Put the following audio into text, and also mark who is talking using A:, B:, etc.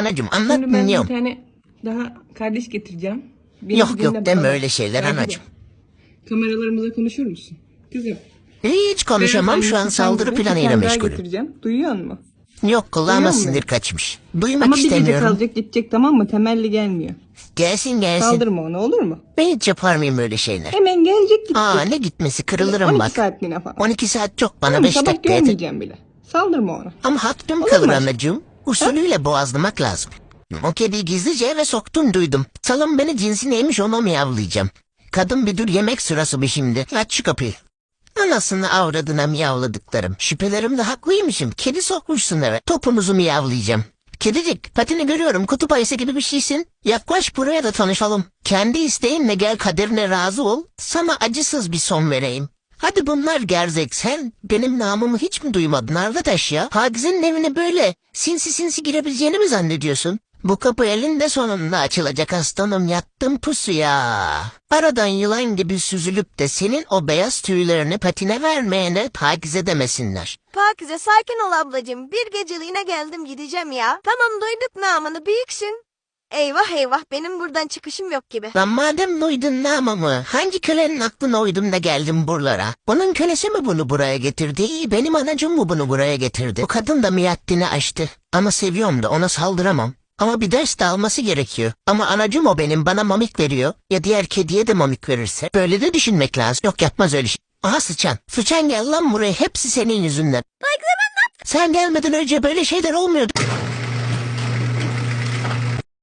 A: Anacığım anlat
B: Şimdi ben bir
A: dinliyorum.
B: tane daha kardeş getireceğim. Beni
A: Yok
B: dinle
A: yok deme
B: bakalım.
A: öyle şeyler
B: Belki de
A: anacığım.
B: Kameralarımıza konuşur musun? Kızım.
A: Hiç konuşamam şu an
B: annesi
A: saldırı
B: sen gibi bir
A: planıyla
B: tane daha
A: meşgulüm.
B: getireceğim. Duyuyor musun?
A: Yok kulağıma
B: Duyuyor musun
A: sinir
B: beni?
A: kaçmış. Duymak
B: Ama bir gece
A: istemiyorum.
B: kalacak gidecek, tamam mı? Temelli gelmiyor.
A: Gelsin gelsin.
B: Saldırma ona, olur mu?
A: Ben hiç yapar mıyım öyle şeyler?
B: Hemen gelecek gidecek.
A: Aa ne gitmesi kırılırım
B: 12
A: bak.
B: saatliğine falan.
A: 12 saat çok bana
B: Tamam,
A: 5
B: sabah
A: dakika yeter.
B: görmeyeceğim bile. Saldırma ona.
A: Ama hakkım
B: Olur
A: kalır
B: mu?
A: anacığım. Usulüyle boğazlamak lazım. O kediyi gizlice eve soktum duydum. Salın beni cinsi neymiş onu miyavlayacağım. Kadın bir dur yemek sırası bir şimdi. Aç şu kapıyı. Anasını avradına miyavladıklarım. Şüphelerimde haklıymışım. Kedi sokmuşsun eve. Topunuzu miyavlayacağım. Kedicik patini görüyorum kutup ayısı gibi bir şeysin. Yaklaş buraya da tanışalım. Kendi isteğinle gel kaderine razı ol. Sana acısız bir son vereyim. Hadi bunlar gerzek sen benim namımı hiç mi duymadın arkadaş ya? Hagiz'in evine böyle sinsi sinsi girebileceğini mi zannediyorsun? Bu kapı elinde sonunda açılacak aslanım yattım pusuya. Aradan yılan gibi süzülüp de senin o beyaz tüylerini patine vermeyene Hagiz'e demesinler.
C: Pakize sakin ol ablacığım. Bir geceliğine geldim gideceğim ya. Tamam duyduk namını büyüksün. Eyvah eyvah benim buradan çıkışım yok gibi.
A: Lan madem duydun namımı hangi kölenin aklına uydum da geldim buralara? Bunun kölesi mi bunu buraya getirdi? Benim anacığım mı bunu buraya getirdi? Bu kadın da miyaddini aştı. Ama seviyorum da ona saldıramam. Ama bir ders de alması gerekiyor. Ama anacığım o benim bana mamik veriyor. Ya diğer kediye de mamik verirse. Böyle de düşünmek lazım. Yok yapmaz öyle şey. Aha sıçan. Sıçan gel lan buraya hepsi senin yüzünden. Sen gelmeden önce böyle şeyler olmuyordu.